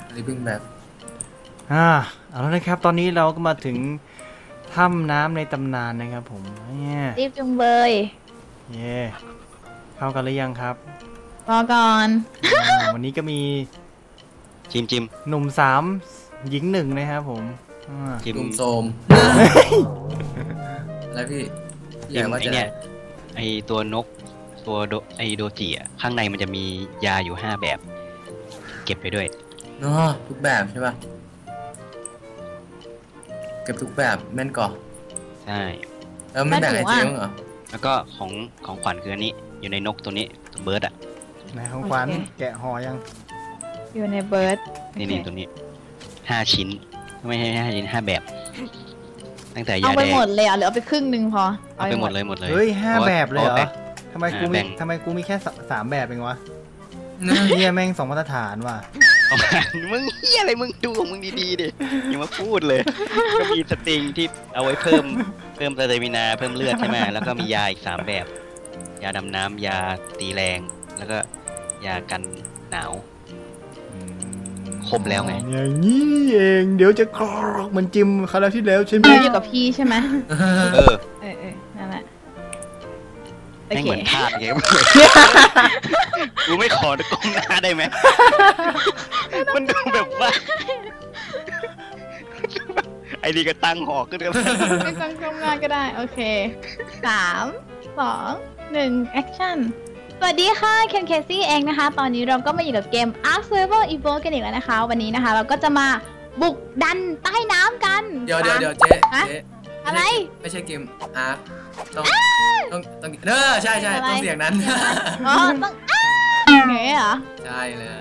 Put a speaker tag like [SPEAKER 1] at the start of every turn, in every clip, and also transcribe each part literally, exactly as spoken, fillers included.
[SPEAKER 1] livingแบบ
[SPEAKER 2] อ่าเอาแล้วนะครับตอนนี้เราก็มาถึงถ้ำน้ำในตำนานนะครับผมเนี่ย
[SPEAKER 3] รีบจุงเบย
[SPEAKER 2] เย่เข้ากันหรือยังครับ
[SPEAKER 3] รอก่อน
[SPEAKER 2] วันนี้ก็มี
[SPEAKER 4] จิมจิม
[SPEAKER 2] หนุ่มสามหญิงหนึ่งนะครับผม
[SPEAKER 1] จิมโซมแล้วพี่
[SPEAKER 4] ไอเนี่ยไอตัวนกตัวไอโดจิอ่ะข้างในมันจะมียาอยู่ห้าแบบเก็บไปด้วย
[SPEAKER 1] เนาะทุกแบบใช่ป่ะเก็บทุกแบบแม่นก่อ
[SPEAKER 4] ใช่
[SPEAKER 1] แล้วไม่แบ่งไอเจมเหรอ
[SPEAKER 4] แล้วก็ของของขวัญคืออันนี้อยู่ในนกตัวนี้ตัวเบิร์ดอ่ะ
[SPEAKER 2] ในของขวัญแกะห่อยัง
[SPEAKER 3] อยู่ในเบิร์ด
[SPEAKER 4] นี่นี่ตัวนี้ห้าชิ้นไม่ใช่ห้าชิ้นห้าแบบตั้งแต่ยาแดง
[SPEAKER 3] เอาไปหมดเลยอ่ะหรือเอาไปครึ่งหนึ่งพอ
[SPEAKER 4] เอาไปหมดเลยหมดเลย
[SPEAKER 2] เฮ้ยห้าแบบเลยเหรอทำไมกูมีทำไมกูมีแค่สามแบบเองวะเนี่ยแม่งสองมาตรฐานว่ะ
[SPEAKER 4] มึงเฮียอะไรมึงดูของมึงดีๆดิอย่ามาพูดเลยก็มีสติงที่เอาไว้เพิ่มเพิ่มสเตมินาเพิ่มเลือดใช่ไหมแล้วก็มียาอีกสามแบบยาดำน้ำยาตีแรงแล้วก็ยากันหนาวครบแล้วไง
[SPEAKER 2] อย่างนี้เองเดี๋ยวจะกรอกมันจิ้มคราวที่แล้วใช่ไหม
[SPEAKER 3] อยู่กับพี่ใช่ไหม
[SPEAKER 4] เออ
[SPEAKER 3] เออเออนั่นแหละ
[SPEAKER 4] ไม่เหมือนภาพไงกูไม่ขอตะกงหน้าได้ไหมมันดูแบบว่าไอ้นี่ก็ตั้งหอกขึ้นกัน
[SPEAKER 3] ไม่ตั้งกล้องหน้าก็ได้โอเคสามสองหนึ่งแอคชั่นสวัสดีค่ะเคนเคซี่เองนะคะตอนนี้เราก็มาอยู่กับเกม Ark Survival Evolved กันอีกแล้วนะคะวันนี้นะคะเราก็จะมาบุกดันใต้น้ำกัน
[SPEAKER 1] เดี๋ยวเดี๋ยวเดี๋ยวเจ๊เจ๊
[SPEAKER 3] อะไร
[SPEAKER 1] ไม่ใช่เกม Ark ต้องต้องต้องเออใช่ใช่ต้องเสียงนั้น
[SPEAKER 3] อ๋อต้องเงี้ยเหรอ
[SPEAKER 1] ใช่เลย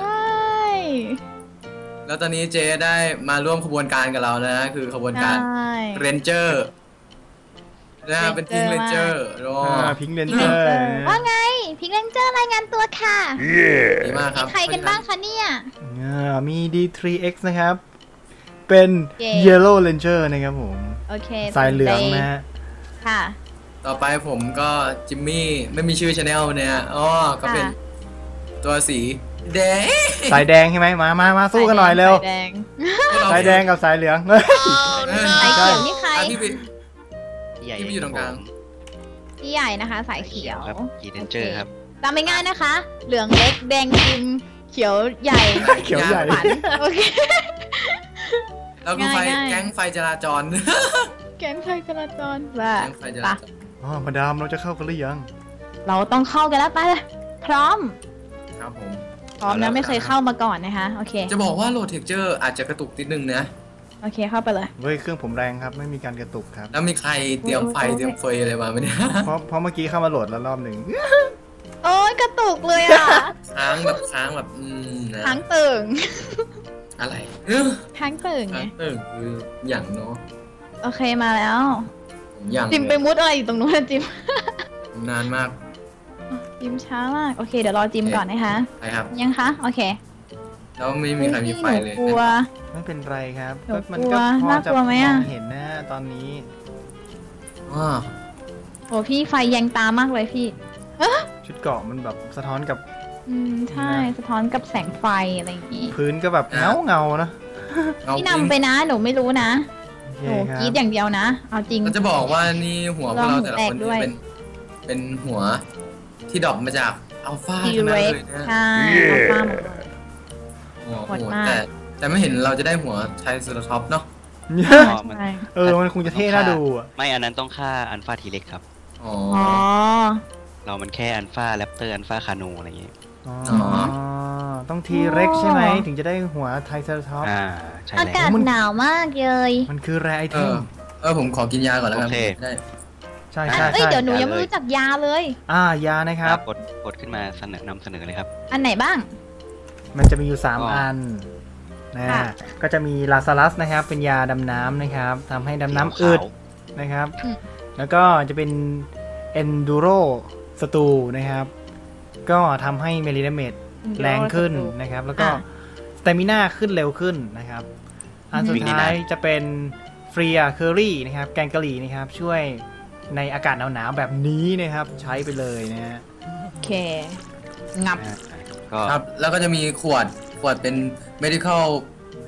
[SPEAKER 1] แล้วตอนนี้เจ๊ได้มาร่วมขบวนการกับเรานะคือขบวนการเรนเจอร์นะเป็นพิงเรนเจอร์รอ
[SPEAKER 2] พิงเรนเจอร์
[SPEAKER 3] ว่าไงพิงเรนเจอร์รายงานตัวค่ะ
[SPEAKER 1] ดีมากครับ
[SPEAKER 3] ใครกันบ้างคะเนี่ย
[SPEAKER 2] มี ดี ทรี เอ็กซ์ นะครับเป็น Yellow Ranger นะครับผม
[SPEAKER 3] โอเค
[SPEAKER 2] สายเหลืองนะฮะ
[SPEAKER 3] ค่ะ
[SPEAKER 1] ต่อไปผมก็จิมมี่ไม่มีชื่อชาแนลเนี่ยอ๋อก็เป็นตัวสีแดง
[SPEAKER 2] สายแดงใช่ไหมมามามาสู้กันหน่อยเร็ว
[SPEAKER 3] สายแดง
[SPEAKER 2] สายแดงกับสายเหลือง
[SPEAKER 3] สายเขียวนี่ใคร
[SPEAKER 1] ที่ไปอยู่ตรงกลาง
[SPEAKER 3] พี่ใหญ่นะคะสายเขียว
[SPEAKER 4] ครับกีเดนเจอร์ครับ
[SPEAKER 3] จำไม่ง่ายนะคะเหลืองเล็กแดงจิมเขียวใหญ่
[SPEAKER 2] เขียวใหญ่
[SPEAKER 3] โอเค
[SPEAKER 1] แล้วก็ไฟแก๊งไฟจราจร
[SPEAKER 3] แก๊งไฟจราจรว่า
[SPEAKER 1] ปะ
[SPEAKER 2] อ๋อมาดามเราจะเข้ากันหรือยัง
[SPEAKER 3] เราต้องเข้ากันแล้วไปเลยพร้อม
[SPEAKER 1] ครับผม
[SPEAKER 3] พร้อมนะไม่เคยเข้ามาก่อนนะคะโอเค
[SPEAKER 1] จะบอกว่าโหลดเท็กเจอร์อาจจะกระตุกนิดนึงนะ
[SPEAKER 3] โอเคเข้าไปเลย
[SPEAKER 2] เฮ้ยเครื่องผมแรงครับไม่มีการกระตุกครับ
[SPEAKER 1] แล้วมีใครเตรียมไฟเตรียมเฟยอะไรมาไหมเนี่ย
[SPEAKER 2] เพราะเพราะเมื่อกี้เข้ามาโหลดแล้วรอบหนึ่ง
[SPEAKER 3] โอ้ยกระตุกเลยอ่ะ
[SPEAKER 1] ค้างแบบค้างแบบอืม
[SPEAKER 3] ค้างตึง
[SPEAKER 1] อะไร
[SPEAKER 3] ค้างตึงไง
[SPEAKER 1] ตึงคืออย่างเนาะ
[SPEAKER 3] โอเคมาแล้ว
[SPEAKER 1] อย่าง
[SPEAKER 3] จิมไปมุดอะไรอยู่ตรงนู้นจิม
[SPEAKER 1] นานมาก
[SPEAKER 3] จิมช้ามากโอเคเดี๋ยวรอจิมก่อนนะคะ
[SPEAKER 1] ใช่ครับ
[SPEAKER 3] ยังคะโอเค
[SPEAKER 1] แล้วไม่มีใครมีไฟเลย
[SPEAKER 3] กลัว
[SPEAKER 2] ไม่เป็นไรครับ
[SPEAKER 3] มันก็พอจะมอง
[SPEAKER 2] เห็นนะตอนนี้
[SPEAKER 1] ว้า
[SPEAKER 3] โอ้พี่ไฟแยงตามากเลยพี่
[SPEAKER 2] ชุดเกาะมันแบบสะท้อนกับ
[SPEAKER 3] อืมใช่สะท้อนกับแสงไฟอะไรอย่างงี้
[SPEAKER 2] พื้นก็แบบเงาเงานะ
[SPEAKER 3] พี่นำไปนะหนูไม่รู้นะหนูกรีดอย่างเดียวนะเอาจริง
[SPEAKER 1] ก็จะบอกว่านี่หัวพวกเราแต่ละคนเป็นเป็นหัวที่ดรอปมาจากอัลฟาทั้งนั้นเลยนะ
[SPEAKER 3] ใช่อัลฟา
[SPEAKER 1] หมดแต่แต่ไม่เห็นเราจะได้หัวไทรเซราท็อปส์เนาะ
[SPEAKER 2] เออมันคงจะเท่น่าดู
[SPEAKER 4] ไม่อันนั้นต้องฆ่าอัลฟาทีเล็กครับ
[SPEAKER 1] อ๋อ
[SPEAKER 4] เรามันแค่อัลฟาแรปเตอร์อัลฟาคาโนอะไรอย่างเงี้ย
[SPEAKER 2] อ๋อต้องทีเร็กใช่ไหมถึงจะได้หัวไทรเซราท็อปส์
[SPEAKER 4] อ่าใช่
[SPEAKER 3] อากาศหนาวมากเลย
[SPEAKER 2] มันคือแร่ไอเทม
[SPEAKER 1] เออผมขอกินยาก่อนแล้วกันได้
[SPEAKER 2] ใช่ใช่
[SPEAKER 3] ใช่เดี๋ยวหนูยังไม่รู้จักยาเลย
[SPEAKER 2] อ่ายานะครับ
[SPEAKER 4] กดกดขึ้นมาเสนอนำเสนอเลยครับ
[SPEAKER 3] อันไหนบ้าง
[SPEAKER 2] มันจะมีอยู่สามอันนะก็จะมีลาซาลัสนะครับเป็นยาดำน้ำนะครับทำให้ดำน้ำอึดนะครับแล้วก็จะเป็นเอนดูโรสตูนะครับก็ทำให้เมลิดาเมจแรงขึ้นนะครับแล้วก็สเตมิน่าขึ้นเร็วขึ้นนะครับอันสุดท้ายจะเป็นฟรีอาเคอรี่นะครับแกงกะหรี่นะครับช่วยในอากาศหนาวๆแบบนี้นะครับใช้ไปเลยนะฮะ
[SPEAKER 3] โอเคงับ
[SPEAKER 1] ครับแล้วก็จะมีขวดขวดเป็น medical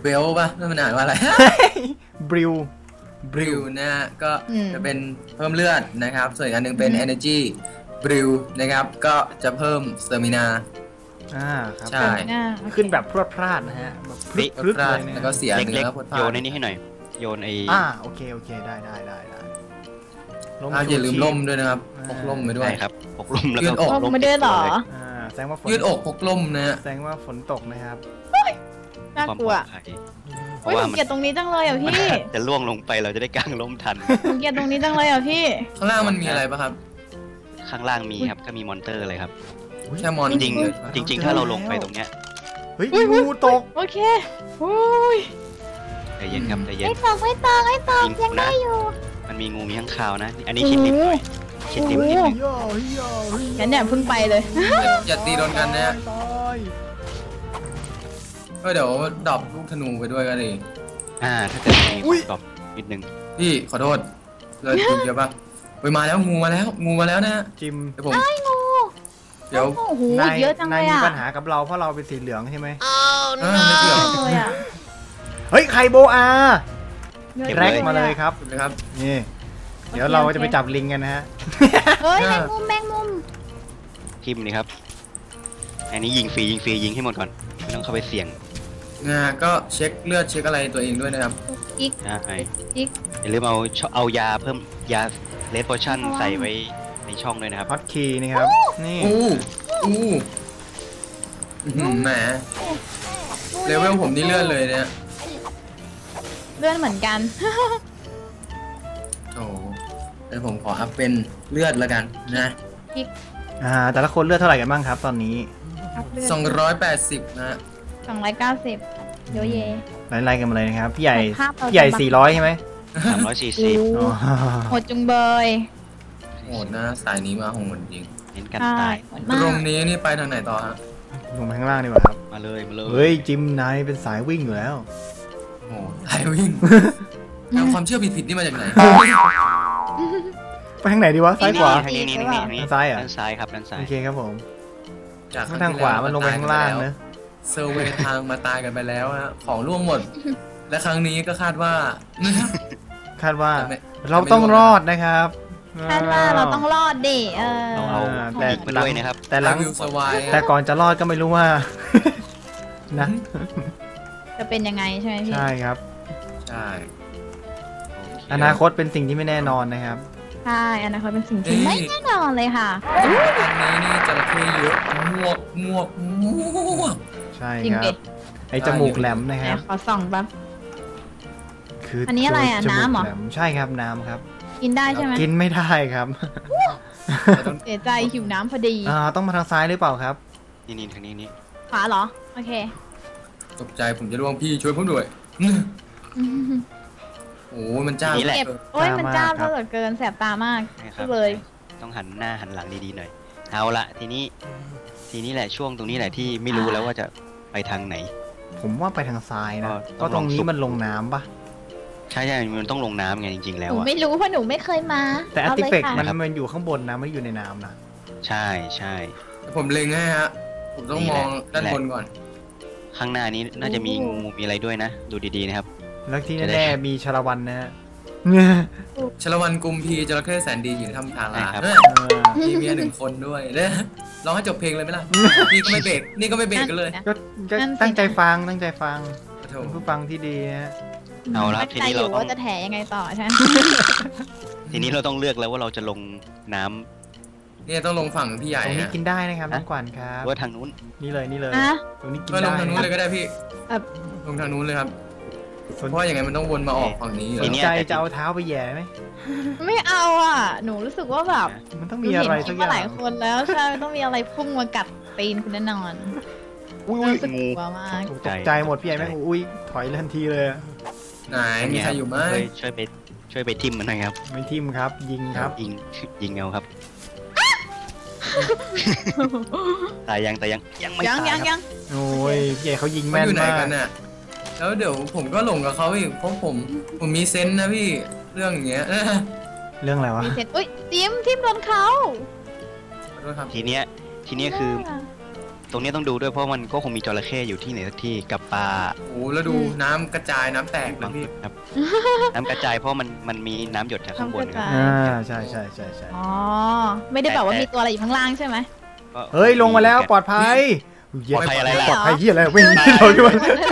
[SPEAKER 1] เบลป่ะนั่นมันอ่านว่าอะไร
[SPEAKER 2] บริว
[SPEAKER 1] บริวนะฮะก็
[SPEAKER 3] อืม
[SPEAKER 1] จะเป็นเพิ่มเลือดนะครับ ส่วนอีกอันหนึงเป็น energy บริวนะครับก็จะเพิ่มสเตอร์มินา
[SPEAKER 2] อ่าครับ
[SPEAKER 1] ใช่
[SPEAKER 3] หน้าโอเค
[SPEAKER 2] ขึ้นแบบพรวดพลาดนะฮะแบบพรึดพรึดเลยนะ
[SPEAKER 1] แล้วก็เสีย
[SPEAKER 4] เล็
[SPEAKER 1] เนื้
[SPEAKER 4] ก
[SPEAKER 1] อพด
[SPEAKER 4] ๆ
[SPEAKER 1] พา
[SPEAKER 4] โยนในนี้ให้หน่อยโยนไอ้
[SPEAKER 2] อ่าโอเคโอเคได้ได้ได้ได้ร่ม
[SPEAKER 1] อ่า
[SPEAKER 2] ชู
[SPEAKER 1] อย่าลืม
[SPEAKER 2] ชีพ
[SPEAKER 1] ล่มด้วยนะครับ
[SPEAKER 2] อ่า
[SPEAKER 1] พกล่มไปด้วย
[SPEAKER 4] ใช่ครับปกลุ่มแล้ว
[SPEAKER 1] ยื
[SPEAKER 4] ก็
[SPEAKER 1] ดอก
[SPEAKER 3] ลงมาด้วยเหรอ
[SPEAKER 2] อ่าแสดงว่าฝน
[SPEAKER 1] ยืดอกพกล่มนะฮะ
[SPEAKER 2] แสดงว่าฝนตกนะครับ
[SPEAKER 3] น่า
[SPEAKER 4] ความ
[SPEAKER 3] ก
[SPEAKER 4] ป
[SPEAKER 3] ลั
[SPEAKER 4] ล
[SPEAKER 3] ว
[SPEAKER 4] อดภัยเพ
[SPEAKER 3] โอ้ย
[SPEAKER 4] ราะ
[SPEAKER 3] ห
[SPEAKER 4] ว่า
[SPEAKER 3] นู
[SPEAKER 4] มัน
[SPEAKER 3] เกลียดตรงนี้จังเลยอ่ะพี่
[SPEAKER 4] จะล่วงลงไปเราจะได้กางร่มทัน
[SPEAKER 3] หนูเกลียดตรงนี้จังเลยอ่ะพี่
[SPEAKER 1] ข้างล่างมันมีอะไรป่ะครับ
[SPEAKER 4] ข้างล่างมีครับก็มีมอนเตอร์เลยครับ
[SPEAKER 1] แค่มอน
[SPEAKER 4] จริงๆจริง ๆ ถ้าเราลงไปตรงเนี้ย
[SPEAKER 2] เฮ้ย
[SPEAKER 3] อุ๊ย
[SPEAKER 2] งูตก
[SPEAKER 3] โอเคอุ้ย
[SPEAKER 4] ใจเย็นครับใจเย็น
[SPEAKER 3] ไม่ตกไม่ตกไม่ตก
[SPEAKER 4] มี
[SPEAKER 3] ยังได้อยู่
[SPEAKER 4] มันมีงูมีข้างคาวนะ อันนี้คิดดิบหน่อยคิดดิบ
[SPEAKER 3] โอ้
[SPEAKER 4] นิด
[SPEAKER 3] โห
[SPEAKER 4] หนึง
[SPEAKER 2] ย่อเฮ้ยย่อเฮ้ย
[SPEAKER 3] งั้นเนี่ยเพิ่งไปเลย
[SPEAKER 1] อย่าอย่าตีโดนกันนะฮะ
[SPEAKER 2] ตาย
[SPEAKER 1] ก็เดี๋ยวดรอปลูกธนูไปด้วยก็ดี
[SPEAKER 4] อ่าถ้าเกิดมีตอบนิดนึง
[SPEAKER 1] พี่ขอโทษเลยดูเยอะป่ะไปมาแล้วงูมาแล้วงูมาแล้วนะฮะ
[SPEAKER 2] จิม
[SPEAKER 1] เดี๋ยวผม
[SPEAKER 3] งู
[SPEAKER 1] เดี๋ยว
[SPEAKER 3] โอ้โห
[SPEAKER 2] นาย
[SPEAKER 3] เยอะจังเล
[SPEAKER 2] นาย
[SPEAKER 3] ย
[SPEAKER 2] มี
[SPEAKER 3] อ่ะ
[SPEAKER 2] ปัญหากับเราเพราะเราเป็นสีเหลืองใช่ไหม
[SPEAKER 1] เออไม่เกี่ยว
[SPEAKER 3] เลยอ่ะ
[SPEAKER 2] เฮ้ยไคโบอา
[SPEAKER 3] เยอะ
[SPEAKER 2] แร็ก
[SPEAKER 3] จัง
[SPEAKER 2] มาเลยครับ
[SPEAKER 1] ถูกไหมครับ
[SPEAKER 2] นี่เดี๋ยวเราจะไปจับลิงกันนะฮะ
[SPEAKER 3] เฮ้ยแมงมุมแมงมุม
[SPEAKER 4] ทิมนี่ครับ อันนี้ยิงฟรียิงฟรียิงให้หมดก่อนไม่ต้องเข้าไปเสี่ยง
[SPEAKER 1] นะฮะก็เช็คเลือดเช็คอะไรตัวเองด้วยนะครับ
[SPEAKER 3] อีก
[SPEAKER 4] ใช่
[SPEAKER 3] อีก
[SPEAKER 4] อย่าลืมเอาชเอายาเพิ่มยาเลดโพชั่นใส่ไว้ในช่องด้วยนะครับ
[SPEAKER 2] ฮอตคีย์นี่ครับ นี่
[SPEAKER 1] อู้อู้อื้อหือแหมเลเวลผมนี่เลื่อนเลยเนี่ย
[SPEAKER 3] เลื่อนเหมือนกัน
[SPEAKER 1] โอ้โหเดี๋ยวผมขออัพเป็นเลือดแล้วกันนะ
[SPEAKER 2] อ่าแต่ละคนเลือดเท่าไหร่กันบ้างครับ ตอนนี้
[SPEAKER 1] สองร้อยแปดสิบนะฮะ
[SPEAKER 3] สองร้อยเก้าสิบโยเย
[SPEAKER 2] ไล่ๆกันมาเลยนะครับ พี่ใหญ่
[SPEAKER 3] ภาพเรา
[SPEAKER 2] พี่ใหญ่
[SPEAKER 3] จะ
[SPEAKER 2] สี่ร้อยใช่ไหม
[SPEAKER 4] สามร้อยสี่
[SPEAKER 3] โอ้
[SPEAKER 4] สิบ
[SPEAKER 2] อ๋อ
[SPEAKER 3] โหดจุงเบย
[SPEAKER 1] โหดนะสายนี้มาโหดจริง
[SPEAKER 4] เน้นกัน
[SPEAKER 3] ใช่
[SPEAKER 4] ตาย
[SPEAKER 3] โหด
[SPEAKER 1] ต
[SPEAKER 3] มาก
[SPEAKER 1] รงนี้นี่ไปทางไหนต่อฮะ
[SPEAKER 2] ลงไปข้างล่างดีกว่าครับ
[SPEAKER 4] มาเลยมาเลย
[SPEAKER 2] เฮ้ย จิมนายเป็นสายวิ่งอยู่แล้ว
[SPEAKER 1] โอ้โหสายวิ่งเอาความเชื่อผิดๆนี่มาจากไหน
[SPEAKER 2] ไปทางไหนดีวะ ซ้ายขวา
[SPEAKER 4] ทางนี้นี่นี่นี่
[SPEAKER 2] ด้านซ้ายเหรอ
[SPEAKER 4] ด้านซ้ายครับด้านซ้าย
[SPEAKER 2] โอเคครับผม
[SPEAKER 1] จาก
[SPEAKER 2] ทางขวามันลงไปข้างล่างเนอะ
[SPEAKER 1] เซอร์เวย์ทางมาตายกันไปแล้วฮะของร่วงหมด และครั้งนี้ก็คาดว่า
[SPEAKER 2] คาดว่า
[SPEAKER 1] จะไม่
[SPEAKER 2] เราต้องรอดนะครับ
[SPEAKER 3] คาดว่าเราต้องรอดดิเออ
[SPEAKER 4] ต้องเอา
[SPEAKER 2] แต่
[SPEAKER 4] อีกมาด้วยนะครับ
[SPEAKER 2] แต่หลัง
[SPEAKER 1] วิวสวาย
[SPEAKER 2] แต่ก่อนจะรอดก็ไม่รู้ว่า นะ
[SPEAKER 3] จะเป็นยังไงใช่ไหมพี่
[SPEAKER 2] ใช่ครับ
[SPEAKER 1] ใช่
[SPEAKER 2] อนาคตเป็นสิ่งที่ไม่แน่นอนนะครับ
[SPEAKER 3] ใช่อนาคตเป็นสิ่งที่ไม่แน่นอนเลยค่ะ
[SPEAKER 1] ครั้งนี้นี่จระเข้เยอะมวกมวกมวก
[SPEAKER 2] ใช่
[SPEAKER 3] จริง
[SPEAKER 2] ครั
[SPEAKER 3] ดิ
[SPEAKER 2] บ ไอจมูกแหลมนะ
[SPEAKER 3] ไห
[SPEAKER 2] คน รับ
[SPEAKER 3] ขอส่องแป๊บ
[SPEAKER 2] คืออั
[SPEAKER 3] นนี้อะไรอ่ะ
[SPEAKER 2] จมูก
[SPEAKER 3] น้ำเหรอ
[SPEAKER 2] แลมใช่ครับน้ำครับ
[SPEAKER 3] กินได้ใช่ไหม
[SPEAKER 2] กินไม่ได้ครับ
[SPEAKER 1] เราต้อง
[SPEAKER 3] เสียใจหิวน้ำพอดี
[SPEAKER 2] อ่าต้องมาทางซ้ายหรือเปล่าครับ
[SPEAKER 4] นี่นี่ทางนี้นี่
[SPEAKER 3] ขวาเหรอ โอเค
[SPEAKER 1] ตกใจผมจะร่วงพี่ช่วยผมด้วยโอ้โหมันจ้า
[SPEAKER 3] เก็บโอ้ยมันจ้า
[SPEAKER 2] ครับ
[SPEAKER 3] เหลือเกินแสบตามาก
[SPEAKER 4] นะครับ
[SPEAKER 3] เลย
[SPEAKER 4] ต้องหันหน้าหันหลังดีๆหน่อย เอาละทีนี้ ทีนี้แหละช่วงตรงนี้แหละที่ไม่รู้แล้วว่าจะไปทางไหน
[SPEAKER 2] ผมว่าไปทางซ้ายนะ
[SPEAKER 4] ก็
[SPEAKER 2] ก็ตรงนี้มันลงน้ำปะ
[SPEAKER 4] ใช่ใช่มันต้องลงน้ำไงจริงๆ
[SPEAKER 3] ห
[SPEAKER 4] แล้ว
[SPEAKER 3] นู
[SPEAKER 4] อะ
[SPEAKER 3] ไม่รู้เพราะหนูไม่เคยมา
[SPEAKER 2] แต่อา
[SPEAKER 3] เอา
[SPEAKER 2] ร์ติ
[SPEAKER 3] เลย
[SPEAKER 2] เฟก
[SPEAKER 3] ค่ะ
[SPEAKER 2] มันมันอยู่ข้างบนนะไม่ได้อยู่ในน้ำนะ
[SPEAKER 4] ใช่ใช่
[SPEAKER 1] ผมเล็งให้ฮะ ผมต้องมองด้านบนก่อน
[SPEAKER 4] ข้างหน้านี้น่าจะมีงูมีอะไรด้วยนะ ดูดีๆนะครับ
[SPEAKER 2] แล้วที่
[SPEAKER 4] จะได้
[SPEAKER 2] แน่ๆมีชาละวันนะฮะ
[SPEAKER 1] ชลวันกุมพีจระเข้แสนดีอยู่ในถ้ำทารา
[SPEAKER 4] ใช่ครับ
[SPEAKER 1] เอ้ยมีเมียหนึ่งคนด้วยเด้อร้องให้จบเพลงเลยไหมล่ะนี่ก็ไม่เบรกนี่ก็ไม่เบรกกันเลย
[SPEAKER 2] ก็ก็
[SPEAKER 3] นั่นสิ
[SPEAKER 2] ตั้งใจฟังตั้งใจฟัง
[SPEAKER 1] โถ
[SPEAKER 2] เป็นผู้ฟังที่ดีนะฮะ
[SPEAKER 4] เอาละ
[SPEAKER 3] ตั้ง
[SPEAKER 4] ที
[SPEAKER 3] ใจ
[SPEAKER 4] นี้
[SPEAKER 3] อ
[SPEAKER 4] เรา
[SPEAKER 3] ยู่
[SPEAKER 4] ต้อง
[SPEAKER 3] ว่าจะแถยังไงต่อใช่ไหม
[SPEAKER 4] ทีนี้เราต้องเลือกแล้วว่าเราจะลงน้ำ
[SPEAKER 1] เนี่ยต้องลงฝั่งพี่ใหญ่
[SPEAKER 2] ตรงนี้
[SPEAKER 1] ฮะ
[SPEAKER 2] กินได้นะครับ
[SPEAKER 4] ฮะ
[SPEAKER 2] น้องกวานครับ
[SPEAKER 4] หรือว่าทางนู้น
[SPEAKER 2] นี่เลยนี่เลย
[SPEAKER 3] อ่ะ
[SPEAKER 2] ตรงนี้กิน
[SPEAKER 1] ก็ล
[SPEAKER 2] ได้
[SPEAKER 1] งทางนู้นเลยก็ได้พี่
[SPEAKER 3] เอ่อ
[SPEAKER 1] ลงทางนู้นเลยครับ
[SPEAKER 2] สน
[SPEAKER 1] เพราะว่าอย่างไงมันต้องวนมาออกฝั่งนี้อยู่
[SPEAKER 2] ส
[SPEAKER 1] แล้
[SPEAKER 2] น
[SPEAKER 1] ว
[SPEAKER 2] ใจจะเอาเท้าไปแหย่ไหม
[SPEAKER 3] ไม่เอาอ่ะ หนูรู้สึกว่าแบบ
[SPEAKER 2] มันต้อง
[SPEAKER 3] หนู
[SPEAKER 2] มีอะไร
[SPEAKER 3] เห็นค
[SPEAKER 2] สั
[SPEAKER 3] ลิ
[SPEAKER 2] ก
[SPEAKER 3] ป
[SPEAKER 2] อ
[SPEAKER 3] มา
[SPEAKER 2] ย่า
[SPEAKER 3] หลาย
[SPEAKER 2] ง
[SPEAKER 3] คนแล้วใช่ต้องมีอะไรพุ่งมากัดตีนคุณแน่นอน
[SPEAKER 4] อุ้ย
[SPEAKER 3] รู้สึก
[SPEAKER 4] งู
[SPEAKER 3] กลัวมาก
[SPEAKER 2] ตกใจหมดพี่ใหญ่แม่งอุ้ยถอยทันทีเลยอะ
[SPEAKER 1] ไหนมีใครอยู่ไหม
[SPEAKER 4] ช่วยช่วยไปช่วยไปทิมมันหนะครับ
[SPEAKER 2] ไม่ทิมครับ ยิงครับ
[SPEAKER 4] ยิงยิงเอาครับตายยังตายยังยังไม่
[SPEAKER 3] ยัง
[SPEAKER 4] ตาย
[SPEAKER 3] ยัง
[SPEAKER 4] ครับ
[SPEAKER 3] ยัง
[SPEAKER 2] โอ้ยพี่ใหญ่เขายิง
[SPEAKER 1] มัน
[SPEAKER 2] แม่น
[SPEAKER 1] อยู่ไหน
[SPEAKER 2] มาก
[SPEAKER 1] กันน่ะแล้วเดี๋ยวผมก็หลงกับเขาอีกเพราะผมผมมีเซนส์นะพี่เรื่องอย่างเงี้ย
[SPEAKER 2] เรื่องอะไรวะ
[SPEAKER 3] มีเสร็จอุ้ยจิ้มทิมโดนเขา
[SPEAKER 1] ขอโทษครับ
[SPEAKER 4] ทีเนี้ยทีเนี้ยคือตรงนี้ต้องดูด้วยเพราะมันก็คงมีจระเข้อยู่ที่ไหนสักที่กับปลา
[SPEAKER 1] โอ้แล้วดูน้ำกระจายน้ำแตกเลยพี่
[SPEAKER 4] ครับ น้ำกระจายเพราะมันมันมีน้ำหยดจากข้างบนครับ
[SPEAKER 2] อ่าใช่ใช่ใช่ใช่
[SPEAKER 3] อ๋อไม่ได้แบบว่ามีตัวอะไรอยู่ข้างล่างใช่ไหม
[SPEAKER 4] ก็
[SPEAKER 2] เฮ้ยลงมาแล้วปลอดภัย
[SPEAKER 4] ปลอดภัยอะไรล่ะ
[SPEAKER 2] ปลอดภัยที่อะไรวิ่งเราด้วย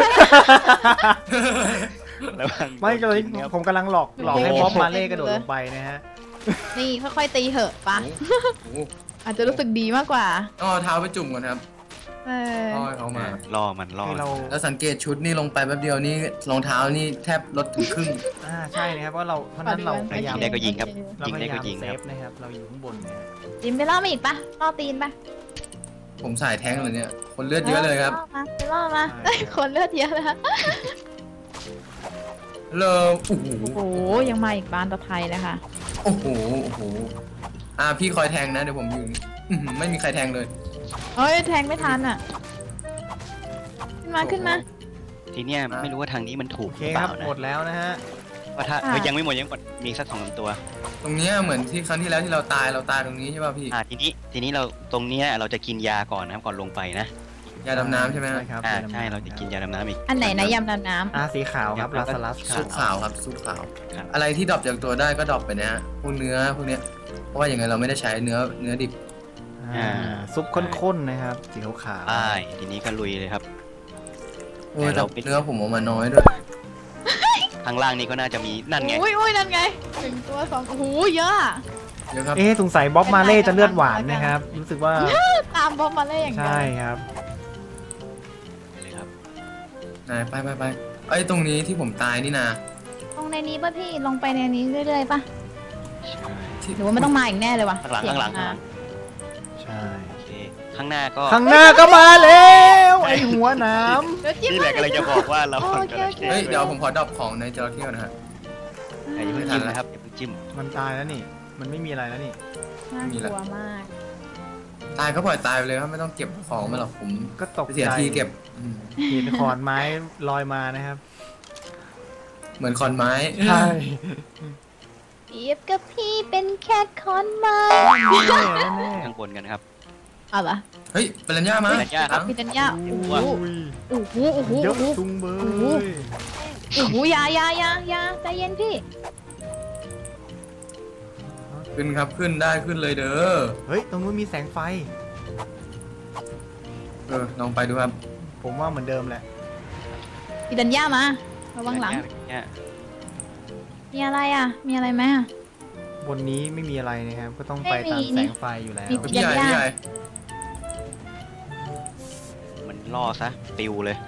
[SPEAKER 4] ระวัง
[SPEAKER 2] ไม่เลย
[SPEAKER 4] ครับ
[SPEAKER 2] ผมกำลังหลอกหลอกให้บ๊อบมาเล่กระโดดลงไปนะฮะ
[SPEAKER 3] นี่ค่อยๆตีเหอะปะ
[SPEAKER 1] โอ้โห
[SPEAKER 3] อาจจะรู้สึกดีมากกว่า
[SPEAKER 1] ต้องเอาเท้าไปจุ่มก่อนครับ
[SPEAKER 3] เออ
[SPEAKER 1] ล่อให้เขามา
[SPEAKER 4] ล่อมันล่อ
[SPEAKER 2] ให้เรา
[SPEAKER 1] แล้วสังเกตชุดนี่ลงไปแป๊บเดียวนี่รองเท้านี่แทบลดถึงครึ่ง
[SPEAKER 2] อ่าใช่นะครับเพราะเราเพราะนั้นเราพยายาม
[SPEAKER 4] ได้ก็ยิงครับ
[SPEAKER 2] เรา
[SPEAKER 4] ยิง
[SPEAKER 2] พ
[SPEAKER 4] ได้
[SPEAKER 2] ยายา
[SPEAKER 4] ก็
[SPEAKER 2] ม
[SPEAKER 4] ยิง
[SPEAKER 2] เซ
[SPEAKER 4] ครับ
[SPEAKER 2] ฟนะครับเราอยู่ข้างบนเนี่ย
[SPEAKER 3] จิมไปล่อมาอีกปะล่อตีนปะ
[SPEAKER 1] ผมสายแท้งเลยเนี่ย คนเลือดเยอะเลยครับ
[SPEAKER 3] ล่อมาไปล่อมาเอ้ยคนเลือดเยอะเลย
[SPEAKER 1] เลยโอ้โห
[SPEAKER 3] โอ้โหยังมาอีกบ้านต่อไทยเลยค่ะ
[SPEAKER 1] โอ้โหโอ้โหอ่าพี่คอยแทงนะเดี๋ยวผมยืนอื้อหือไม่มีใครแทงเลย
[SPEAKER 3] เฮ้ยแทงไม่ทันอ่ะ ขึ้นมาขึ้นมา
[SPEAKER 4] ทีเนี้ยไม่รู้ว่าทางนี้มันถู
[SPEAKER 2] โอก
[SPEAKER 4] ห
[SPEAKER 2] เค
[SPEAKER 4] รือเป
[SPEAKER 2] ครั
[SPEAKER 4] ล่า
[SPEAKER 2] บ
[SPEAKER 4] นะ
[SPEAKER 2] หมดแล้วนะฮะ
[SPEAKER 4] ว่าถ้า
[SPEAKER 3] ค่ะ
[SPEAKER 4] เฮ้ยยังไม่หมดยังหมดมีสักสองสามตัว
[SPEAKER 1] ตรงเนี้ยเหมือนที่ครั้งที่แล้วที่เราตายเราตายตรงนี้ใช่ป่ะพี่
[SPEAKER 4] อ่าทีนี้ทีนี้เราตรงเนี้ยเราจะกินยาก่อนนะครับก่อนลงไปนะ
[SPEAKER 1] ยาดำน้ำใช่ไหมฮะ
[SPEAKER 2] ใช่ครับ
[SPEAKER 4] อ่าย
[SPEAKER 2] ดำน้ำ
[SPEAKER 4] ใช่เราจะกินยาดำน้ำอีก
[SPEAKER 3] อันไหนนะยำดำน้ำ
[SPEAKER 2] อ่าสีขาวครับลาสลัสครั
[SPEAKER 1] ซุ
[SPEAKER 2] บ
[SPEAKER 1] ปขาวครับซุปขาว
[SPEAKER 4] ครับ
[SPEAKER 1] อะไรที่ดรอปจากตัวได้ก็ดรอปไปนะฮะพวกเนื้อพวกเนี้ยเพราะว่าอย่างไงเราไม่ได้ใช้เนื้อเนื้อดิบ
[SPEAKER 2] อ่าซุปข้นๆนะครับสีขาว
[SPEAKER 4] ใช่ทีนี้ก็ลุยเลยครับ
[SPEAKER 1] โอ้ย
[SPEAKER 4] แต่
[SPEAKER 1] แต่
[SPEAKER 4] เราไม่
[SPEAKER 1] เนื้อผมเออกมาน้อยด้วย
[SPEAKER 4] ข้างล่างนี้ก็น่าจะมีนั่นไง
[SPEAKER 3] อุ้ยอุ้ยนั่นไงหนึ่งตัวสองโอ้โหเยอะอะ
[SPEAKER 1] เยอะครับ
[SPEAKER 2] ๆเอ๊ะสงสัยบ๊อบมาเล่จะเลือดหวานนะครับ รู้สึกว่า
[SPEAKER 3] ตามบอมมาเล่อย่างเดียว
[SPEAKER 2] ใช่ครับ
[SPEAKER 4] เลยครับ
[SPEAKER 1] นายไปไปไปไอ้ยตรงนี้ที่ผมตายนี่นะ
[SPEAKER 3] ลงในนี้ป่ะพี่ลงไปในนี้เรื่อยๆป่ะ
[SPEAKER 4] ใช่
[SPEAKER 1] ที่
[SPEAKER 3] หรือว่ามันต้องมาอีกแน่เลยว่ะ
[SPEAKER 4] ข้างหลังข้างหลังข้างหลัง
[SPEAKER 2] ใช่
[SPEAKER 4] โอเคข้างหน้าก็
[SPEAKER 2] ข้างหน้าก็มาแล้วไอหัวหน้
[SPEAKER 3] เดี๋ยวจิ้ม
[SPEAKER 4] นี่แหละกำลังจะบอกว่าเรา
[SPEAKER 3] โอ
[SPEAKER 4] ฝั่ง
[SPEAKER 3] เค
[SPEAKER 4] จระ
[SPEAKER 3] โอเค
[SPEAKER 4] เข้
[SPEAKER 1] เฮ้ยเดี๋ยวผมขอดรอปของในจระเข้ก่อนนะฮะ
[SPEAKER 4] อย่าเพิ่งจิ้มนะครับอย่าเพิ่งจิ้ม
[SPEAKER 2] ำมันตายแล้วนี่ มันไม่มีอะไรแล้วนี่
[SPEAKER 3] น่ากลัวมาก
[SPEAKER 1] ตายก็ปล่อยตายไปเลยครับไม่ต้องเก็บของมาหรอกผม
[SPEAKER 2] ก็ตก
[SPEAKER 1] เสีย
[SPEAKER 2] ใจ
[SPEAKER 1] ทีเก็บอืม
[SPEAKER 2] เห็นขอนไม้ลอยมานะครับ
[SPEAKER 1] เหมือนคอนไม้
[SPEAKER 2] ใช่
[SPEAKER 3] เปรียบกับพี่เป็นแค่คอนไม้
[SPEAKER 2] แน่แน่
[SPEAKER 4] ข้างบนกันนะครับ
[SPEAKER 3] เอาเหรอ
[SPEAKER 1] เฮ้ยเป็นรัญญามา
[SPEAKER 4] เป็นรัญญาครับ
[SPEAKER 3] พี่ดัญญาโอ้โห
[SPEAKER 2] อุ้ย
[SPEAKER 3] โอ้โหโอ้โห
[SPEAKER 2] เย
[SPEAKER 3] โอ้
[SPEAKER 2] อะ
[SPEAKER 3] โห
[SPEAKER 2] จุงเบ
[SPEAKER 3] โอ้โห
[SPEAKER 2] ย
[SPEAKER 3] โอ้โหอยาอยาอยาอยาใจเย็นพี่
[SPEAKER 1] ขึ้นครับขึ้นได้ขึ้นเลยเด้อ
[SPEAKER 2] เฮ้ย ตรงนู้นมีแสงไฟ
[SPEAKER 1] เออลองไปดูครับ
[SPEAKER 2] ผมว่าเหมือนเดิมแหละ
[SPEAKER 3] พี่ดัญญามาระวังหลัง
[SPEAKER 4] เนี่ย
[SPEAKER 3] มีอะไรอ่ะ มีอะไรไหมอ่ะ
[SPEAKER 2] บนนี้ไม่มีอะไรนะครับ ก็ต้องไป
[SPEAKER 3] ไม่มี
[SPEAKER 2] ตามแส
[SPEAKER 3] นี่
[SPEAKER 2] งไฟอยู่แล้ว
[SPEAKER 3] มี
[SPEAKER 1] พี่ใหญ่พี่ใหญ่
[SPEAKER 4] มันล่อซะปิวเลย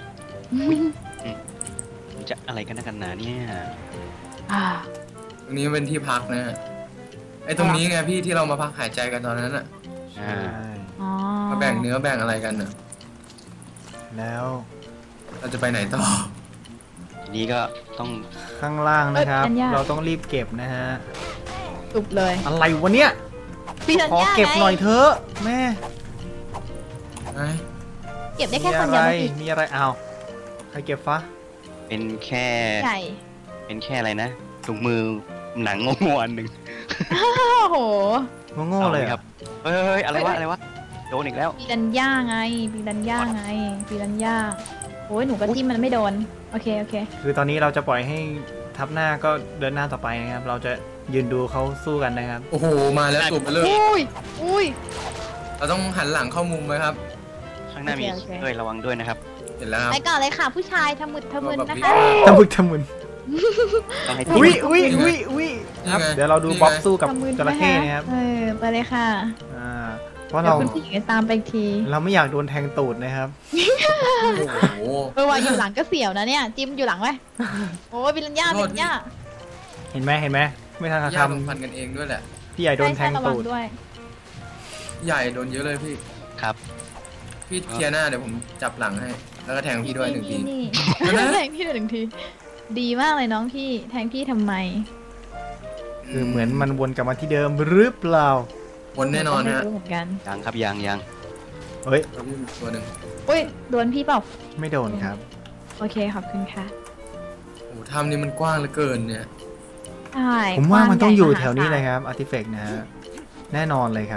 [SPEAKER 4] มันจะอะไรกันนักกันหนาเนี่ย
[SPEAKER 3] อ่า
[SPEAKER 1] ตรงนี้เป็นที่พักนะฮะไอ้ตรงนี้ไงพี่ที่เรามาพักหายใจกันตอนนั้นอ่ะ
[SPEAKER 4] อ่า
[SPEAKER 2] ใช่
[SPEAKER 3] อ๋อ
[SPEAKER 1] มาแบ่งเนื้อแบ่งอะไรกันอ่ะ
[SPEAKER 2] แล้ว
[SPEAKER 1] เราจะไปไหนต่อ
[SPEAKER 4] ทีนี้ก็ต้อง
[SPEAKER 2] ข้างล่างนะครับ เราต้องรีบเก็บนะฮะ
[SPEAKER 3] สุบเลย
[SPEAKER 2] อะไรวะเนี่ย
[SPEAKER 3] พี่ดัญ
[SPEAKER 2] ขอ
[SPEAKER 3] ญา
[SPEAKER 2] เก็บหน่อย
[SPEAKER 3] ไง
[SPEAKER 2] เถอะแม่
[SPEAKER 1] ไอ้
[SPEAKER 3] เก็บได้
[SPEAKER 2] มี
[SPEAKER 3] แค่คน
[SPEAKER 2] อะ
[SPEAKER 3] เดี
[SPEAKER 2] ไร
[SPEAKER 3] ยวเมื่อกี้
[SPEAKER 2] มีอะไรเอาใครเก็บฟะ
[SPEAKER 4] เป็นแค่
[SPEAKER 3] ใหญ่
[SPEAKER 4] เป็นแค่อะไรนะถุงมือหนังงงๆอันหนึ่ง
[SPEAKER 3] โอ้โห
[SPEAKER 2] โง่ๆเลย
[SPEAKER 4] อา
[SPEAKER 2] อะ
[SPEAKER 4] ครับเฮ้ยเฮ้ยอะไรวะอะไรวะโดนอีกแล้ว
[SPEAKER 3] ปีดัญญาไงปีดัญญาไงปีดัญญาโอ้ยหนูก็จิ้มมันไม่โดน โอเค โอเค
[SPEAKER 2] คือตอนนี้เราจะปล่อยให้ทับหน้าก็เดินหน้าต่อไปนะครับ เราจะยืนดูเขาสู้กันนะครับ
[SPEAKER 1] โอ้โหมาแล้วตูบไปเลย
[SPEAKER 3] อุ้ย อุ้ย
[SPEAKER 1] เราต้องหันหลังเข้ามุมไว้ครับ
[SPEAKER 4] ข้างหน้ามี
[SPEAKER 3] โอเคโอเค
[SPEAKER 4] ด้วยระวังด้วยนะครับ
[SPEAKER 1] เห็นแล้วครับ
[SPEAKER 3] ไปก่อนเลยค่ะ ผู้ชายทะมึดทะมึนนะคะ
[SPEAKER 2] ทำมึกทำมึน
[SPEAKER 4] ต้องให้
[SPEAKER 2] อุ้ย
[SPEAKER 4] จิ้ม
[SPEAKER 2] อุ้ยอุ้ยอุ้ยครับ
[SPEAKER 1] นี่ไง
[SPEAKER 2] เดี๋ยวเราดู
[SPEAKER 1] นี่ไง
[SPEAKER 2] บ๊อบสู้กับ
[SPEAKER 3] ทะมึน
[SPEAKER 2] จระเข้นะครับ
[SPEAKER 3] เออ ไปเลยค่ะ
[SPEAKER 2] อ่าเพราะ
[SPEAKER 3] เดี๋ย
[SPEAKER 2] เรา
[SPEAKER 3] วคุณผู้หญิงจะตามไปอีกที
[SPEAKER 2] เราไม่อยากโดนแทงตูดนะครับ
[SPEAKER 1] โอ้โห
[SPEAKER 3] เออว่าอยู่หลังก็เสียวนะเนี่ย จิ้มอยู่หลังไว้โอ้ยปีดัญญา
[SPEAKER 1] โท
[SPEAKER 3] ปี
[SPEAKER 1] ษ
[SPEAKER 3] ดัญญา
[SPEAKER 2] เห็นไหมเห็นไหมไม่ทัน
[SPEAKER 1] ญาติ
[SPEAKER 2] คำ
[SPEAKER 1] ลงพันกันเองด้วยแหละ
[SPEAKER 2] พี่ใหญ่โดนแทง
[SPEAKER 3] ใช่ใช่ระวั
[SPEAKER 2] ตูด
[SPEAKER 3] ด้วย
[SPEAKER 1] ใหญ่โดนเยอะเลยพี่
[SPEAKER 4] ครับ
[SPEAKER 1] พี่เคลียร์หน้าเดี๋ยวผมจับหลังให้ แล้วก็แทงพี่ด้วยหนึ่งที
[SPEAKER 3] นี่
[SPEAKER 1] เอา
[SPEAKER 3] นี่
[SPEAKER 1] นะ
[SPEAKER 3] แทงพี่ด้วยหนึ่งที ดีมากเลยน้องพี่ แทงพี่ทำไม
[SPEAKER 2] คือเหมือนมันวนกลับมาที่เดิมหรือเปล่า
[SPEAKER 1] วนแน่นอน
[SPEAKER 3] ไม่
[SPEAKER 1] ฮะ
[SPEAKER 3] รู้เหมือนกัน
[SPEAKER 4] ยังครับยังยัง
[SPEAKER 2] เฮ้ย
[SPEAKER 1] แล้วพี่มีตัวหนึ่ง
[SPEAKER 3] อุ้ยโดนพี่เปล่า
[SPEAKER 2] ไม่โดนครับ
[SPEAKER 3] โอเคขอบคุณค่ะ
[SPEAKER 1] โอ้ถ้ำนี่มันกว้างเหลือเกินเนี่ย
[SPEAKER 3] ใช่
[SPEAKER 2] ผมว่ามันต้องอยู่
[SPEAKER 3] กว้
[SPEAKER 2] แถ
[SPEAKER 3] ใหญ่
[SPEAKER 2] วนี้
[SPEAKER 3] มหาศา
[SPEAKER 2] เลยครับอาร์ติเฟกต์นะฮะแน่นอนเลยครับ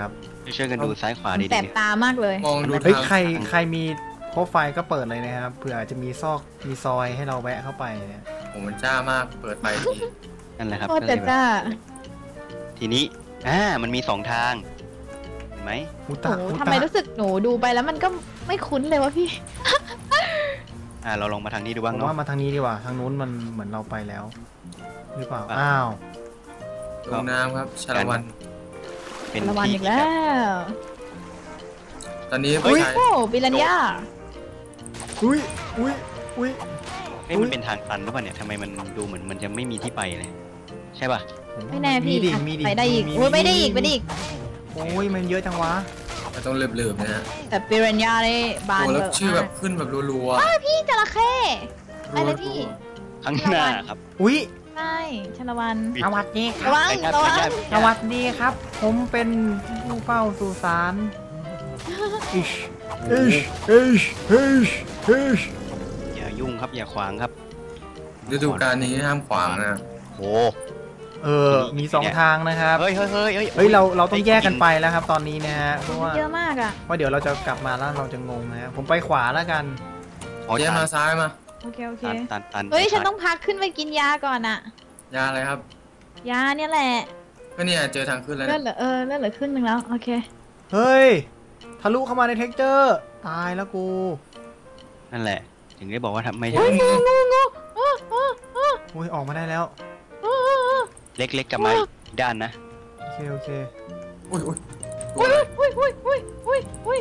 [SPEAKER 4] ช่วยกันดูซ้ายขวา
[SPEAKER 3] มัน
[SPEAKER 4] ดี
[SPEAKER 3] แสบ
[SPEAKER 4] ๆ
[SPEAKER 3] ตามากเลย
[SPEAKER 1] มองดู
[SPEAKER 2] เฮ้ย
[SPEAKER 1] ทาง
[SPEAKER 2] ใครใครมีโปรไฟล์ก็เปิดเลยนะครับเผื่อจะมีซอกมีซอยให้เราแวะเข้าไปเนี่ย
[SPEAKER 1] ผมมันจ้ามากเปิดไฟที
[SPEAKER 4] นั่นแหละครับ
[SPEAKER 3] โคตร
[SPEAKER 4] ก็เลยแบบ
[SPEAKER 3] จ้า
[SPEAKER 4] ทีนี้อ่ามันมีสองทางเห็นไหม
[SPEAKER 2] อุ
[SPEAKER 3] โอ้
[SPEAKER 2] ตะ
[SPEAKER 3] โห
[SPEAKER 2] อุ
[SPEAKER 3] ทำ
[SPEAKER 2] ตะ
[SPEAKER 3] ไมรู้สึกหนูดูไปแล้วมันก็ไม่คุ้นเลยวะพี่
[SPEAKER 4] อ่าเราลองมาทางนี้ดู
[SPEAKER 2] ผ
[SPEAKER 4] บ้าง
[SPEAKER 2] ม
[SPEAKER 4] เนาะ
[SPEAKER 2] ว่ามาทางนี้ดีกว่าทางนู้นมันเหมือนเราไปแล้ว หรือเปล่า
[SPEAKER 4] อ่ะ
[SPEAKER 2] อ้าว
[SPEAKER 1] ลงน้ำครับชาละวัน
[SPEAKER 4] เป็น
[SPEAKER 3] ระวัง
[SPEAKER 4] ที่
[SPEAKER 3] อีกแล้ว
[SPEAKER 1] ตอนนี้
[SPEAKER 3] โอ้
[SPEAKER 1] ผู้ชาย
[SPEAKER 3] โหปิรันย่า
[SPEAKER 2] อุ้ยอุ้ยอุ้ย
[SPEAKER 4] เฮ้ยมันเป็นทางตันหรือเปล่าเนี่ยทำไมมันดูเหมือนมันจะไม่มีที่ไปเลยใช่ป่ะ
[SPEAKER 3] ไม่แน่พี่
[SPEAKER 2] มีดิ
[SPEAKER 3] อ่ะ
[SPEAKER 2] มีดิ
[SPEAKER 3] ไปได้อีก
[SPEAKER 2] มี
[SPEAKER 3] โอ้ยไปได้อีก
[SPEAKER 2] มี
[SPEAKER 3] ไปได้อีก
[SPEAKER 2] โอ้ยมันเยอะจังวะ
[SPEAKER 1] มันต้องเลือบๆนะฮะ
[SPEAKER 3] แต่ปิรันย่าได้บาน
[SPEAKER 1] โอ้
[SPEAKER 3] เบ
[SPEAKER 1] แล้ว
[SPEAKER 3] อร์
[SPEAKER 1] ชื่อแบ
[SPEAKER 3] มา
[SPEAKER 1] บ
[SPEAKER 3] ก
[SPEAKER 1] ขึ้นแบบรัว
[SPEAKER 3] พี่จระเข้
[SPEAKER 1] ๆ
[SPEAKER 3] ไปเลยพี่
[SPEAKER 4] ข้างหน้าครับ
[SPEAKER 2] อุ้ย
[SPEAKER 3] ใช่ชาละวัน
[SPEAKER 2] สวัสดีค
[SPEAKER 3] ระ
[SPEAKER 2] รับ
[SPEAKER 3] วัง
[SPEAKER 4] ไปครับ
[SPEAKER 3] ระวัง
[SPEAKER 4] ไปครับ
[SPEAKER 2] สวัสดีครับ ผมเป็นผู้เฝ้าสุสานอิชอิชอิชอิชอิช
[SPEAKER 4] อย่ายุ่งครับอย่าขวางครับ
[SPEAKER 1] ฤดูกาลนี้ห้ามขวางนะ
[SPEAKER 4] โห
[SPEAKER 2] เออมีสองทางนะครับ
[SPEAKER 4] เฮ้ยเฮ้ยเฮ้ยเฮ้ย
[SPEAKER 2] เฮ้ยเราเราต้องแยกกันไปแล้วครับ ตอนนี้นะฮะเพราะว่า
[SPEAKER 3] เยอะมากอ่ะ
[SPEAKER 2] ว่าเดี๋ยวเราจะกลับมาแล้วเราจะงงนะฮะผมไปขวาแล้วกัน
[SPEAKER 4] อ๋อ
[SPEAKER 1] เจ๊
[SPEAKER 4] ตัน
[SPEAKER 1] มาซ้ายมา
[SPEAKER 3] โอเคโอเค
[SPEAKER 4] ตันตันตัน
[SPEAKER 3] เฮ้ยฉันต้องพักขึ้นไปกินยาก่อนอ่ะ
[SPEAKER 1] ยาอะไรครับ
[SPEAKER 3] ยาเนี่ยแหละ
[SPEAKER 1] ก็เนี่ยเจอทางขึ้นแล้ว
[SPEAKER 3] เลือ
[SPEAKER 1] เนี่
[SPEAKER 3] ด
[SPEAKER 1] ย
[SPEAKER 3] เหลือเออเลือดเหลือครึ่งหนึ่งแล้วโอเค
[SPEAKER 2] เฮ้ยทะลุเข้ามาในเท็กเจอร์ตายแล้วกู
[SPEAKER 4] นั่นแหละ ถึงได้บอกว่าทำไม่
[SPEAKER 3] เฮ้
[SPEAKER 4] ใช่
[SPEAKER 3] ยงูงูงูอ้ออ้ออ้อ
[SPEAKER 2] อุ้ยออกมาได้แล้ว
[SPEAKER 3] อ้ออ้อ
[SPEAKER 4] เล็กๆกลับมาอีกด้านนะ
[SPEAKER 2] โอเคโอเค
[SPEAKER 1] อุ้ยอุ้ย
[SPEAKER 3] อุ้ยอุ้ยอุ้ยอุ้ยอุ้ยอุ้ย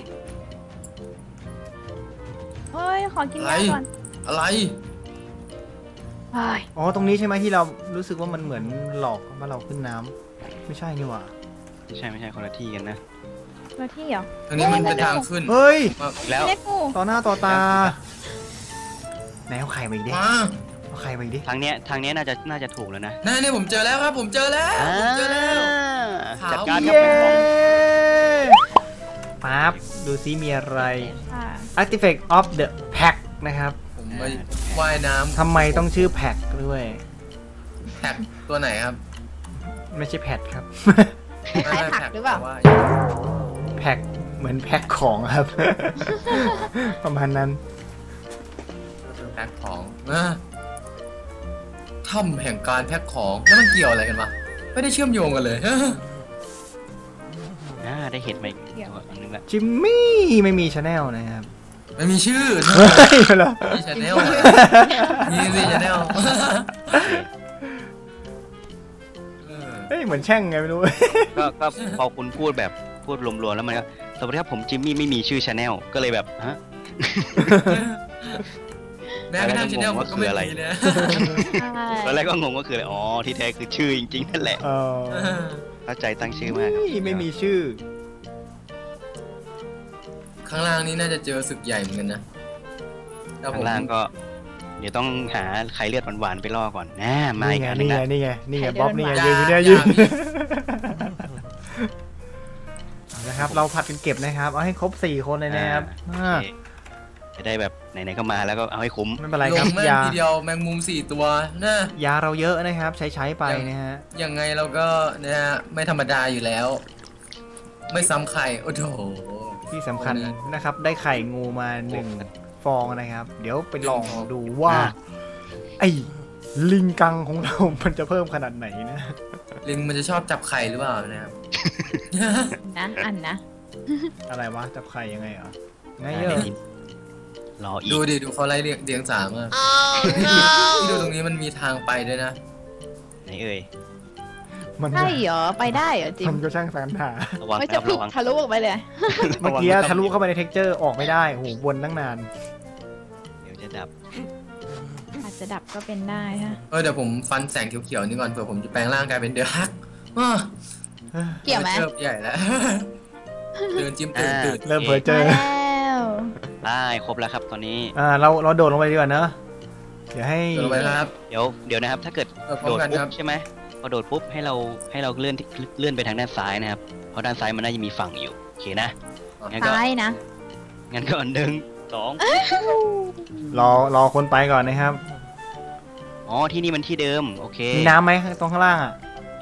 [SPEAKER 3] เฮ้ยขอกินยาก่อน
[SPEAKER 1] อะไร
[SPEAKER 3] เฮ้ย
[SPEAKER 2] อ๋อตรงนี้ใช่ไหมที่เรารู้สึกว่ามันเหมือนหลอกว่าเราขึ้นน้ำไม่ใช่นี่หว่า
[SPEAKER 4] ไม่ใช่ไม่ใช่คนละที่กันนะ
[SPEAKER 3] มาที่เหรอ
[SPEAKER 1] ทางนี้มันเป็นทางขึ้น
[SPEAKER 2] เฮ้ย
[SPEAKER 1] มา
[SPEAKER 4] แล้ว
[SPEAKER 3] เล็กงู
[SPEAKER 2] ต่อหน้าต่อตาไหนเอาไข่มาอีกดิ
[SPEAKER 1] มา
[SPEAKER 2] เอาไข่มาอีกดิ
[SPEAKER 4] ทางเนี้ยทางเนี้ยน่าจะน่าจะถูกแล้วนะ
[SPEAKER 1] นั่นนี่ผมเจอแล้วครับ ผมเจอแล้วผมเจอแล้ว ขาว
[SPEAKER 4] จัดการครับ
[SPEAKER 2] เย้
[SPEAKER 4] เป็นของ
[SPEAKER 2] ปั๊บดูซิมีอะไร
[SPEAKER 3] ค่ะ
[SPEAKER 2] Artifact of the Pack นะครับ
[SPEAKER 1] ผมไปว่ายน้ำ
[SPEAKER 2] ทำไมต้องชื่อแพ็กด้วย
[SPEAKER 1] แท็กตัวไหนครับ
[SPEAKER 2] ไม่ใช่แพดครับ
[SPEAKER 3] คล้ายๆผักหรือเปล่า
[SPEAKER 1] ว่ย
[SPEAKER 2] แพ็กเหมือนแพ็คของครับ ประมาณนั้น
[SPEAKER 1] แพ็คของนะถ้ำแห่งการแพ็คของแล้วมันเกี่ยวอะไรกันวะไม่ได้เชื่อมโยงกันเลย
[SPEAKER 4] อ่าได้เห็นมาอีกตัวอันนึงละ
[SPEAKER 2] จิมมี่ไม่มีชาแนลนะครับ
[SPEAKER 1] ไม่มีชื่อ
[SPEAKER 2] เฮ้ยเหรอ
[SPEAKER 1] มีชาแนลมีสิชาแนล
[SPEAKER 2] เฮ้ยเหมือนแช่งไงไม่รู้
[SPEAKER 4] ก็ก็พอคุณพูดแบบพูดรวมๆแล้วมันก็สวัสดีครับผมจิมมี่ไม่มีชื่อชาแนลก็เลยแบบฮะ
[SPEAKER 1] แม้กระทั่งชาแนลผมก็ไม่
[SPEAKER 4] อะไร
[SPEAKER 1] มีนะ
[SPEAKER 3] ใช่
[SPEAKER 4] ตอนแรกก็งงก็คืออะไรอ๋อที่แท้คือชื่อจริงๆนั่นแหละ
[SPEAKER 2] เออ
[SPEAKER 4] เข้าใจตั้งชื่อมากครับ
[SPEAKER 2] นี่ไม่มีชื่อ
[SPEAKER 1] ข้างล่างนี้น่าจะเจอศึกใหญ่เหมือนกันนะแล้วผ
[SPEAKER 4] ข้าม งล่างก็ เดี๋ยวต้องหาไข่เลือดหวานๆไปล่อก่อนนะมา
[SPEAKER 2] นี่
[SPEAKER 4] อีก
[SPEAKER 2] ไง
[SPEAKER 4] อันหนึ
[SPEAKER 2] นี่
[SPEAKER 4] ง
[SPEAKER 2] ไง
[SPEAKER 4] นะ
[SPEAKER 2] นี่ไงนี่ไง
[SPEAKER 3] ใครเดิน
[SPEAKER 2] บ๊อบนี่ไง
[SPEAKER 3] มา
[SPEAKER 2] ยืนอยู่เนี่ยยืนเอานะครับ เราผัดกันเก็บนะครับ เอาให้ครบสี่คนเลยนะครับ
[SPEAKER 4] โอ
[SPEAKER 2] อ่า
[SPEAKER 4] เคจะได้แบบไหนๆก็มาแล้วก็เอาให้คุ้ม
[SPEAKER 2] ไม่เป็นไร
[SPEAKER 1] ล
[SPEAKER 2] ครับ
[SPEAKER 1] งแม่ง
[SPEAKER 2] ยา
[SPEAKER 1] ทีเดียวแมงมุมสี่ตัวนะ
[SPEAKER 2] ยาเราเยอะนะครับ ใช้ใช้ไปนะฮะ
[SPEAKER 1] ยังไงเราก็นะฮะไม่ธรรมดาอยู่แล้ว ไม่ซ้ำใครโอ้โห
[SPEAKER 2] ที่สำคัญ
[SPEAKER 1] โอ้เนี่ย
[SPEAKER 2] นะครับ ได้ไข่งูมาหนึ่งฟองนะครับ เดี๋ยวไปลองดูว่า ไอ้ลิงกังของเรา มันจะเพิ่มขนาดไหนนะ
[SPEAKER 1] ลิงมันจะชอบจับไข่หรือเปล่านะครับ
[SPEAKER 3] นะอันนะ
[SPEAKER 2] อะไรวะจับไข่ยังไงเหรอไง
[SPEAKER 4] อ่า
[SPEAKER 2] เยอะ
[SPEAKER 4] เดี๋ยวนี้รออี
[SPEAKER 1] ดู
[SPEAKER 4] ก
[SPEAKER 1] ดิดูเขาไล่เรียงเรียงสามอะที่ดูตรงนี้มันมีทางไปด้วยนะ
[SPEAKER 4] ไหนเอ่ย
[SPEAKER 2] มัน
[SPEAKER 3] ใช่เหรอไปได้เหรอจิ
[SPEAKER 2] มั
[SPEAKER 3] ม
[SPEAKER 2] นก็ช่างสรรหา
[SPEAKER 4] ระวัง
[SPEAKER 3] ไม่
[SPEAKER 4] ค
[SPEAKER 3] จะ
[SPEAKER 4] รับ
[SPEAKER 3] พลิก
[SPEAKER 4] ระวัง
[SPEAKER 3] ทะลุออกไปเลย
[SPEAKER 2] เมื่อกี้ทะลุเข้าไปในเท็กเจอร์ออกไม่ได้โอ้โหวนตั้งนาน
[SPEAKER 4] เดี๋ยวจะดับ
[SPEAKER 3] อาจจะดับก็เป็นได้ฮะ
[SPEAKER 1] เออเดี๋ยวผมฟันแสงเขียวๆนี่ก่อนเผื่อผมจะแปลงร่างกลายเป็นเดือฮักอ้อ
[SPEAKER 3] เกี่ยวไหม
[SPEAKER 1] เริ่ใหญ่แล้ว เดินจิ้มตื่นตื่น
[SPEAKER 2] เริ่มเผลอเจ
[SPEAKER 3] มา
[SPEAKER 2] อ
[SPEAKER 3] แล้ว
[SPEAKER 4] ได้ครบแล้วครับตอนนี้
[SPEAKER 2] อ่าเราเราโดดลงไปดีกว่าเนอะเดี๋ยวให้
[SPEAKER 1] เดินไปนะครับ
[SPEAKER 4] เดี๋ยวเดี๋ยวนะครับ ถ้าเกิด
[SPEAKER 1] เออพร้อ
[SPEAKER 4] โด
[SPEAKER 1] ม
[SPEAKER 4] ด
[SPEAKER 1] กัน
[SPEAKER 4] ปุ๊
[SPEAKER 1] ครับ
[SPEAKER 4] บใช่ไหมพอโดดปุ๊บให้เราให้เราเลื่อนเลื่อนไปทางด้านซ้ายนะครับ เพราะด้านซ้ายมันน่าจะมีฝั่งอยู่โอเคนะงั้นก็
[SPEAKER 3] ซ้ายนะ
[SPEAKER 4] งั้นก็หนึ่งสอง
[SPEAKER 2] รอรอคนไปก่อนนะครับ
[SPEAKER 4] อ๋อที่นี่มันที่เดิมโอเค
[SPEAKER 2] มีน้ำไหมตรงข้างล่างอ่ะ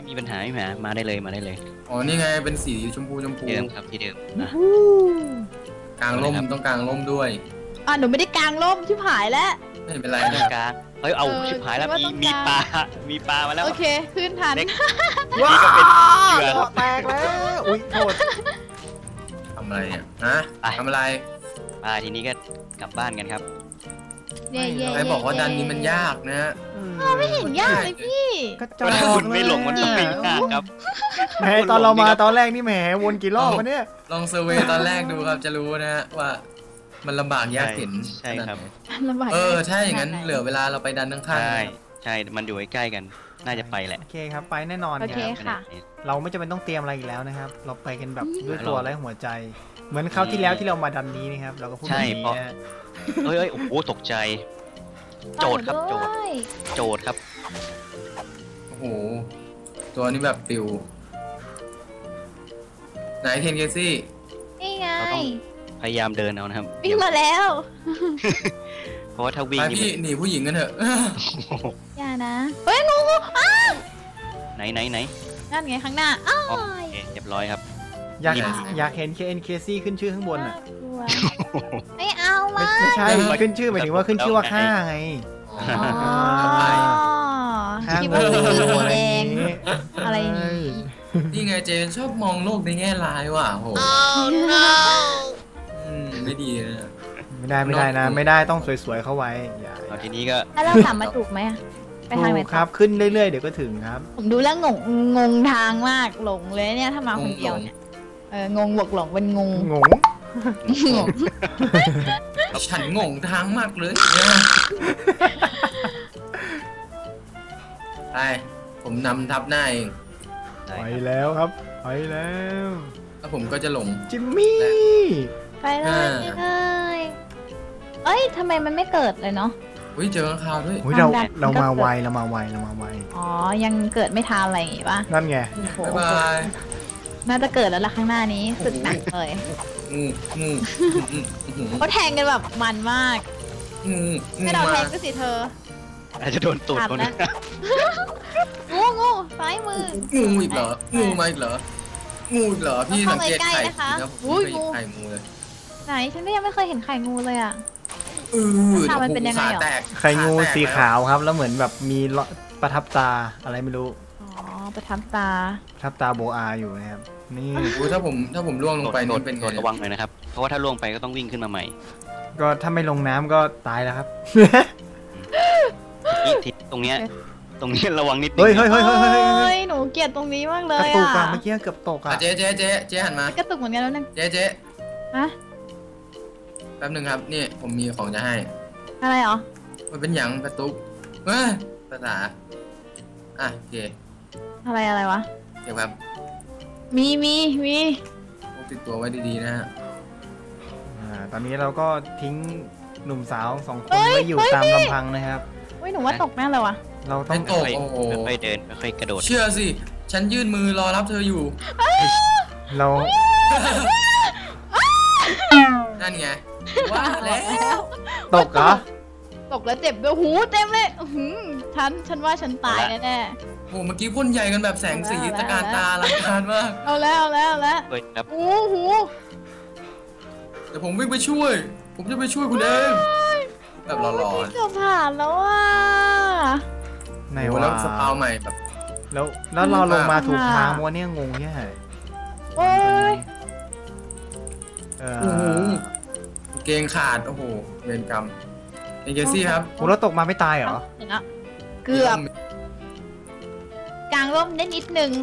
[SPEAKER 4] ไม่มีปัญหาไม่มีปัญหามาได้เลยมาได้เลย
[SPEAKER 1] อ๋อนี่ไงเป็นสีชมพูชมพู
[SPEAKER 4] ที่เดิมครับที่เดิมนะ
[SPEAKER 1] กลางร่มต้องกลางร่มด้วย
[SPEAKER 3] อ่ะหนูไม่ได้กางร่มชิบหายแล้ว
[SPEAKER 1] ไม่เป็นไร
[SPEAKER 4] ตร
[SPEAKER 1] นะ
[SPEAKER 4] งกลางเฮ้ยเอา
[SPEAKER 3] เออ
[SPEAKER 4] ชิบหายแล้ว
[SPEAKER 3] คิดว่า
[SPEAKER 4] มี
[SPEAKER 3] ต้อง
[SPEAKER 4] มี
[SPEAKER 3] กลาง
[SPEAKER 4] ปลามีปลามาแล้ว
[SPEAKER 3] โอเคขึ้นทัน
[SPEAKER 4] เล็ก
[SPEAKER 2] ว้า
[SPEAKER 4] นี่ก็เป็นเหยื่อ
[SPEAKER 2] เกาะแตกแล้วอุ้ยโทษ
[SPEAKER 1] ทำอะไรเนี่ยฮะ
[SPEAKER 4] ไป
[SPEAKER 1] ทำอะไร
[SPEAKER 4] ปลาทีนี้ก็กลับบ้านกันครับ
[SPEAKER 3] เย่เย่
[SPEAKER 1] ใครบอกว่าดันนี้มันยากนะ
[SPEAKER 3] ไม่เห็นยากเลยพี่
[SPEAKER 2] ก็จอ
[SPEAKER 4] ถ้า
[SPEAKER 2] ด
[SPEAKER 4] คุณไม่หลงมันต้องไม่ยากครับ
[SPEAKER 2] แหมตอนเรามาตอนแรกนี่แหมวนกี่รอบวะเนี่ย
[SPEAKER 1] ลองเซอร์เวย์ตอนแรกดูครับจะรู้นะฮะว่ามันลำบากยากเข็น
[SPEAKER 4] ใช่ครับ
[SPEAKER 1] ขนาดไหน
[SPEAKER 3] ลำบาก
[SPEAKER 1] เออใช่อย่างนั้นเหลือเวลาเราไปดันข้างๆ
[SPEAKER 4] ใช่
[SPEAKER 1] นะครับ
[SPEAKER 4] ใช่มันอยู่ใกล้ๆกัน น่าจะไปแหละ
[SPEAKER 2] โอเคครับไปแน่นอน
[SPEAKER 3] โอ
[SPEAKER 2] ค
[SPEAKER 3] เครับ ค่ะ
[SPEAKER 2] เราไม่จำเป็นต้องเตรียมอะไรอีกแล้วนะครับ เราไปกันแบบด้วยตัวและหัวใจ เหมือนคราวที่แล้วที่เรามาดันนี้นะครับ เราก็พูดแบบนี้นะ
[SPEAKER 4] เฮ้ยเฮ้ยโอ้โหตกใจ โจทย์ครับโจทย์
[SPEAKER 3] ด้วย
[SPEAKER 4] โจทย์ครับ
[SPEAKER 1] โอ้โหตัวนี้แบบปิวไหนเคนเคซี่
[SPEAKER 3] นี่ไง
[SPEAKER 4] เราต้อง พยายามเดินเอานะครับ
[SPEAKER 3] วิ่งมาแล้ว
[SPEAKER 4] เพราะว่าถ้าวิ่ง
[SPEAKER 1] ไป
[SPEAKER 4] นี่
[SPEAKER 1] พี่
[SPEAKER 4] มัน
[SPEAKER 1] หนีผู้หญิงกันเถอะ
[SPEAKER 3] อย่านะเฮ้ยงูงูอ้าว
[SPEAKER 4] ไหนไหนไหน
[SPEAKER 3] นั่นไงข้างหน้าอ้าว
[SPEAKER 4] อ๋อโอเคเรียบร้อยครับ
[SPEAKER 2] อยาก
[SPEAKER 1] นี่
[SPEAKER 2] อยากเห็น เค เอ็น เค ซี ขึ้นชื่อข้างบนอ่ะ
[SPEAKER 3] น่ากลัวไม่เอา
[SPEAKER 2] ไม่
[SPEAKER 3] ละ
[SPEAKER 2] ไม่ใช่ขึ้นชื่อหมายถึงว่าขึ้นชื่อว่าข้าไง
[SPEAKER 1] อ๋
[SPEAKER 3] อ๋อ
[SPEAKER 1] อไป
[SPEAKER 2] ข้าง
[SPEAKER 3] คิด
[SPEAKER 2] บ
[SPEAKER 3] ว่าน สีแดง
[SPEAKER 2] นี้
[SPEAKER 3] อะไรอย่างนี้
[SPEAKER 1] นี่ไงเจนชอบมองโลกในแง่ร้ายว่ะโหอืมไม่ดีนะ
[SPEAKER 2] ไม่ได้ไม่ได้นะ ไม่ได้ต้องสวยๆเข้าไว้อย่า
[SPEAKER 4] เอาทีนี้ก็
[SPEAKER 3] แล้วเรากลับมาถูกไหมอะไปทางไหน
[SPEAKER 2] ถูก
[SPEAKER 3] ต่อ
[SPEAKER 2] ครับขึ้นเรื่อยๆเดี๋ยวก็ถึงครับ
[SPEAKER 3] ผมดูแล้วงงงงทางมากหลงเลยเนี่ยถ้ามาคนเดียวเนี่ยเอองงบวกหลงเป็นงง
[SPEAKER 2] งง
[SPEAKER 3] งง
[SPEAKER 1] ฉันงงทางมากเลยเนี่ยไปผมนำทับหน้าเอง
[SPEAKER 4] ได้
[SPEAKER 2] ไป
[SPEAKER 4] ครับ
[SPEAKER 2] แล้วครับไปแล้ว
[SPEAKER 1] แล้วผมก็จะหลง
[SPEAKER 2] จิมมี่
[SPEAKER 3] ไปเลยไปเลยเอ้ยทำไมมันไม่เกิดเลยเนาะ
[SPEAKER 1] อุ้ยเจอข้างคาวด้วย
[SPEAKER 2] อุ๊ยเรา
[SPEAKER 3] ความดัน
[SPEAKER 2] เรา
[SPEAKER 3] ก็
[SPEAKER 2] มา
[SPEAKER 3] เกิด
[SPEAKER 2] ไวเรามาไวเรามาไว
[SPEAKER 3] อ๋อยังเกิดไม่ทันอะไรอย่างงี้ป่ะ
[SPEAKER 2] นั่นไง
[SPEAKER 3] โอ้โห
[SPEAKER 1] บ๊ายบาย
[SPEAKER 3] น่าจะเกิดแล้วล่ะข้างหน้านี้สึกหนักเลย
[SPEAKER 1] งูงูอืมอืมอืม
[SPEAKER 3] เขาแทงกันแบบมันมาก
[SPEAKER 1] งูงู
[SPEAKER 3] ไม่เรา
[SPEAKER 1] มา
[SPEAKER 3] แทงก็สิเธอ
[SPEAKER 4] อาจจะโดนตูดคน
[SPEAKER 3] ขาดนะ งูงูซ้ายมือ
[SPEAKER 1] งูอีกเหรองูมาอีกเหรองูอีกเหรอพี่สังเกต
[SPEAKER 3] เข้าไปใกล้
[SPEAKER 1] ไข่
[SPEAKER 3] นะคะ
[SPEAKER 1] สิครับผม
[SPEAKER 3] อุ้ย
[SPEAKER 1] ไม่เคย
[SPEAKER 3] งู
[SPEAKER 1] เห็นไข่งูเลย
[SPEAKER 3] ไหนฉันก็ยังไม่เคยเห็นไข่งูเลยอ่ะ
[SPEAKER 1] เออ
[SPEAKER 3] ขามันเป็นยังไง
[SPEAKER 1] ขา
[SPEAKER 3] เหรอ
[SPEAKER 1] แตก
[SPEAKER 2] ไข่งู
[SPEAKER 1] ขแตก
[SPEAKER 2] สีขาวครับ แล้วเหมือนแบบมีละประทับตาอะไรไม่รู้
[SPEAKER 3] อ๋อประทับตา
[SPEAKER 2] ประทับตาโบอาอยู่นะครับ นี่
[SPEAKER 1] อุ๊ยถ้าผมถ้าผมล่วงลงไป
[SPEAKER 4] โด
[SPEAKER 1] นี่
[SPEAKER 4] ด
[SPEAKER 1] เป็นไง
[SPEAKER 4] โดดระวังหน่อยนะครับ เพราะว่าถ้าล่วงไปก็ต้องวิ่งขึ้นมาใหม่
[SPEAKER 2] ก็ถ้าไม่ลงน้ำก็ตายแล้วครับ
[SPEAKER 4] นี่ทิศตรงเนี้ยตรงเนี้ยระวังนิดนึง
[SPEAKER 2] เฮ้ยเฮ้ยเฮ้ยเฮ้ยเฮ้ยเฮ้ย
[SPEAKER 3] ยหนูเกลียดตรงนี้มากเล
[SPEAKER 2] กระ
[SPEAKER 3] ย
[SPEAKER 2] ตุก
[SPEAKER 3] อ่ะ
[SPEAKER 2] อะเมื่อกี้เกือบตก
[SPEAKER 1] อ่ะ
[SPEAKER 2] อะ
[SPEAKER 1] เจ๊เจ๊เจ๊เจ๊หันมาก
[SPEAKER 3] ระตุกเหมือนกันแล้วนึง
[SPEAKER 1] เจ๊เจ๊
[SPEAKER 3] ฮะ
[SPEAKER 1] แป๊บหนึ่งครับนี่ผมมีของจะให้
[SPEAKER 3] อะไรเหรอ
[SPEAKER 1] มันเป็นหยังกระตุกเอ้ยภาษาอ่ะโอเค
[SPEAKER 3] อะไรอะไรวะ
[SPEAKER 1] เดี๋ยวครับ
[SPEAKER 3] มีมีมี
[SPEAKER 1] พกติดตัวไว้ดีๆนะฮะ
[SPEAKER 2] อ่าตอนนี้เราก็ทิ้งหนุ่มสาวสองคนไว้อยู่ตามลำพังนะครับ
[SPEAKER 3] อุ้ยหนูว่าตกแน่เลยวะ
[SPEAKER 2] เราต้อ
[SPEAKER 1] ไม่
[SPEAKER 2] ง
[SPEAKER 1] ตก
[SPEAKER 4] ค่อย
[SPEAKER 1] โอ้โห
[SPEAKER 4] ๆค่อยๆเดินค่อยๆกระโดด
[SPEAKER 1] เชื่อสิ ฉันยื่นมือรอรับเธออยู่
[SPEAKER 2] เรา
[SPEAKER 1] นั่นไงว่าแล้ว
[SPEAKER 2] ตกเหรอ
[SPEAKER 3] ตกแล้วเจ็บด้วยหูเต็มเลยอื้อหือฉันฉันว่าฉันตายแน่
[SPEAKER 1] โอ้เมื่อกี้พ่นใหญ่กันแบบแสงสี
[SPEAKER 3] เอาแล้ว
[SPEAKER 1] ตะการตาลังการมาก
[SPEAKER 3] ๆเอาแล้วเอาแล้วเอาแล้ว
[SPEAKER 4] เฮ้ยครับ
[SPEAKER 3] หูหู
[SPEAKER 1] เดี๋ยวผมวิ่งไปช่วย ผมจะไปช่วยคุณเองแบบหล่อ
[SPEAKER 3] เกือบผ่านแล้วอ่ะ
[SPEAKER 2] ไหน
[SPEAKER 1] ๆโอ้
[SPEAKER 2] วะ
[SPEAKER 1] แล้วสปาวใหม่แบบ
[SPEAKER 2] แล้วแล้วเราลงมาถูกทางมัวเนี่ยงงแค่ไหน
[SPEAKER 3] โอ้ย
[SPEAKER 2] เอ
[SPEAKER 1] โอ้โห
[SPEAKER 2] อ
[SPEAKER 1] เกงขาด โอ้โห เวรกรรมเอเจซี่ครับ
[SPEAKER 2] โอ้เราตกมาไม่ตายเหรอ
[SPEAKER 3] เห็นแล้วเกือบกลางร่มได้นิดนึง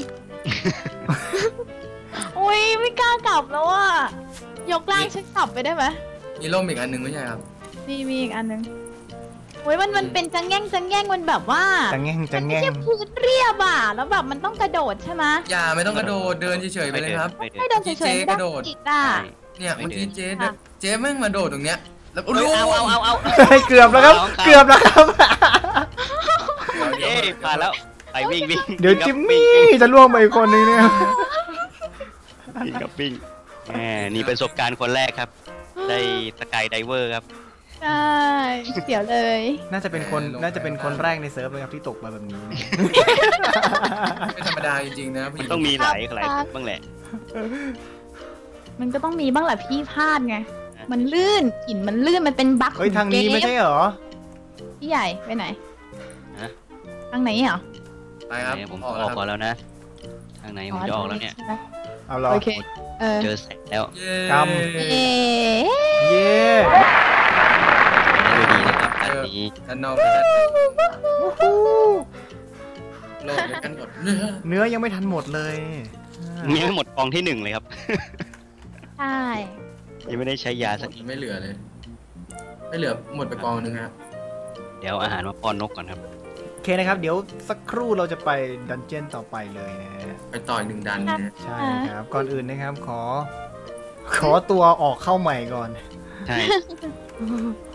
[SPEAKER 3] อุ้ยไม่กล้ากลับแล้วอ่ะยกร่างฉันกลับไปได้ไหม
[SPEAKER 1] มีร่มอีกอันหนึ่งไม่ใช่ครับ
[SPEAKER 3] มีมีอีกอันนึงโอ้ยมันมันเป็นจังแง่งจังแง่งมันแบบว่า
[SPEAKER 2] จังแง่ง
[SPEAKER 3] มั
[SPEAKER 2] จัง
[SPEAKER 3] ไม่
[SPEAKER 2] แง่ง
[SPEAKER 3] ใช่พื้นเรียบอ่ะแล้วแบบมันต้องกระโดดใช่ไหม
[SPEAKER 1] อย่าไม่ต้องกระโดด เดินเฉยๆไปเลยครับ
[SPEAKER 4] ไม่เดิน
[SPEAKER 3] ไม่เดินเฉยๆไม่
[SPEAKER 1] ก
[SPEAKER 3] ได้
[SPEAKER 1] ระโดด
[SPEAKER 3] อีกอ่ะ
[SPEAKER 4] ใช่
[SPEAKER 1] เนี่ย
[SPEAKER 4] ไม่
[SPEAKER 1] เมื่อ
[SPEAKER 4] เดิน
[SPEAKER 1] กี้เจ๊
[SPEAKER 3] ค่ะ
[SPEAKER 1] เจ๊แม่งมาโดดตรงเนี้ย แล้ว
[SPEAKER 4] เฮ้ยเอาเอาเอาเอา
[SPEAKER 2] เกือบแล้วครับ เกือบแล้วครับ
[SPEAKER 1] เดี๋ยว
[SPEAKER 4] เอ้
[SPEAKER 1] เดี๋ย
[SPEAKER 4] ยว ผ่านแล้วไปวิ่งวิ่ง
[SPEAKER 2] เดี๋ยวจิมมี่จะล่วงไปอีกคนนึงเนี่ย
[SPEAKER 4] วิ่งกับวิ่งแหมนี่ประสบการณ์คนแรกครับ ได้สกายไดเวอร์ครับ
[SPEAKER 3] ใช่เดี๋ยวเลย
[SPEAKER 2] น่าจะเป็นคนน่าจะเป็นคนแรกในเซิร์ฟเลยครับที่ตกมาแบบนี้
[SPEAKER 1] ไม่ธรรมดาจริงๆนะผู้ห
[SPEAKER 4] มัน
[SPEAKER 1] ญิง
[SPEAKER 4] ต้องมีหลายหลายบ้างแหละ
[SPEAKER 3] มันก็ต้องมีบ้างแหละพี่พลาดไงมันลื่นหินมันลื่นมันเป็นบั๊ก
[SPEAKER 2] เฮ้ยทางนี้ไม่ใช่เหรอ
[SPEAKER 3] พี่ใหญ่ไปไหน
[SPEAKER 4] ฮะ
[SPEAKER 3] ทางไหนเหรอ
[SPEAKER 1] ไปครับ
[SPEAKER 4] เนี่ยผม
[SPEAKER 1] อ
[SPEAKER 4] อ
[SPEAKER 1] อก
[SPEAKER 4] อก
[SPEAKER 1] แล้วค
[SPEAKER 4] ก่อ
[SPEAKER 1] รับ
[SPEAKER 4] นแล้วนะ ทางไหนผมจะออกแล้วเนี่ย
[SPEAKER 3] ใช่ไหม
[SPEAKER 2] เอาเหรอ
[SPEAKER 3] โอเคเออ
[SPEAKER 4] เจอแสงแล้ว
[SPEAKER 1] เย้
[SPEAKER 2] ก
[SPEAKER 3] เอ๊ะ
[SPEAKER 2] เย้
[SPEAKER 4] ดูดีนะครับอันนี้
[SPEAKER 1] ด้านนอกและด้านในโลกด้วยกันหมดเนื้อ
[SPEAKER 2] เนื้อยังไม่ทันหมดเลย
[SPEAKER 4] ยังไม่หมดกองที่หนึ่งเลยครับ
[SPEAKER 3] ใช่
[SPEAKER 4] ยังไม่ได้ใช้ยาสัก
[SPEAKER 1] ไม่เหลือเลย ไม่เหลือหมดไปกองหนึงครับ
[SPEAKER 4] เดี๋ยวอาหารมาป้อนนกก่อนครับ
[SPEAKER 2] โอเคนะครับ เดี๋ยวสักครู่เราจะไปดันเจี้ยนต่อไปเลยนะฮะ
[SPEAKER 1] ไปต่อยหนึ่งดันนะ
[SPEAKER 2] ใช่ครับ ก่อนอื่นนะครับ ขอ ขอตัวออกเข้าใหม่ก่อน
[SPEAKER 4] ใช่